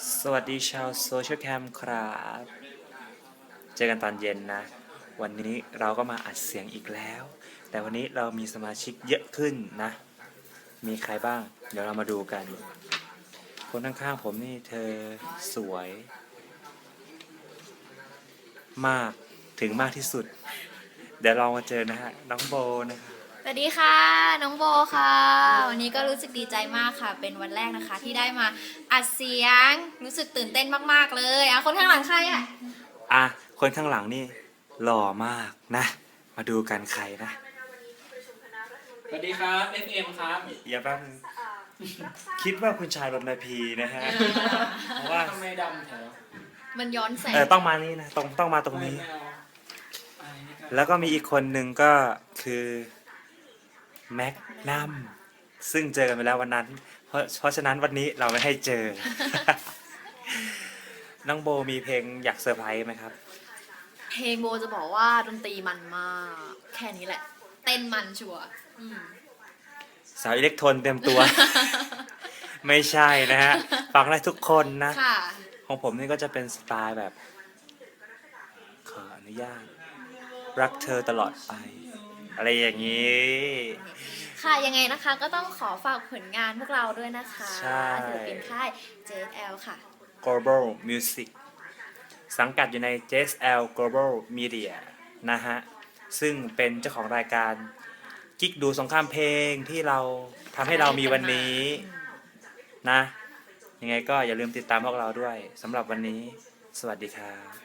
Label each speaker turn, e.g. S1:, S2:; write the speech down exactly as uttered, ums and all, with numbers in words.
S1: สวัสดีชาวโซเชียลแคมครับ เจอกันตอนเย็นนะ วันนี้เราก็มาอัดเสียงอีกแล้ว แต่วันนี้เรามีสมาชิกเยอะขึ้นนะ มีใครบ้าง เดี๋ยวเรามาดูกัน คนข้างๆผมนี่เธอสวยมากถึงมากที่สุด เดี๋ยวเรามาเจอนะฮะ น้องโบนะครับ
S2: สวัสดีค่ะน้องโบค่ะวันนี้ก็รู้สึกดีใจมากค่ะเป็นวันแรกนะคะที่ได้มาอัดเสียงรู้สึกตื่นเต้นมากๆเลยอ่ะคนข้างหลังใครอ่ะ
S1: อ่ะ คนข้างหลังนี่หล่อมากนะ มาดูกันใครนะ
S3: สวัสดีครับ เอฟ เอ็ม ครับ
S1: อย่าแป๊บนึงคิดว่าคุณชายรณพีนะฮะ เพราะว่า
S3: ทำไมดำแถว
S2: มันย้อนแสง
S1: เออต้องมานี่นะตรงต้องมาตรงนี้
S3: ไม่เอาอะไรนี่กัน
S1: แล้วก็มีอีกคนหนึ่งก็คือแม็กนัมซึ่งเจอกันไปแล้ววันนั้น เพราะเพราะฉะนั้นวันนี้เราไม่ให้เจอ น้องโบมีเพลงอยากเซอร์ไพรส์ไหมครับ
S2: เพลงโบจะบอกว่าดนตรีมันมากแค่นี้แหละ เต้นมันชัวร์อืม
S1: สาวอิเล็กโทรนเต็มตัว ไม่ใช่นะฮะ ฟังได้ทุกคนนะ
S2: ค่ะ
S1: ของผมนี่ก็จะเป็นสไตล์แบบ ขออนุญาต รักเธอตลอดไป อะไรอย่างนี้
S2: ค่ะยังไงนะคะก็ต้องขอฝากผลงานพวกเราด้วยนะคะ
S1: ใช่
S2: ศิลปินค่าย เจ เอส แอล ค่ะ
S1: Global Music สังกัดอยู่ใน เจ เอส แอล Global Media นะฮะ ซึ่งเป็นเจ้าของรายการกิ๊กดูสงครามเพลงที่เราทำให้เรามีวันนี้นะ ยังไงก็อย่าลืมติดตามพวกเราด้วยสำหรับวันนี้ สวัสดีครับ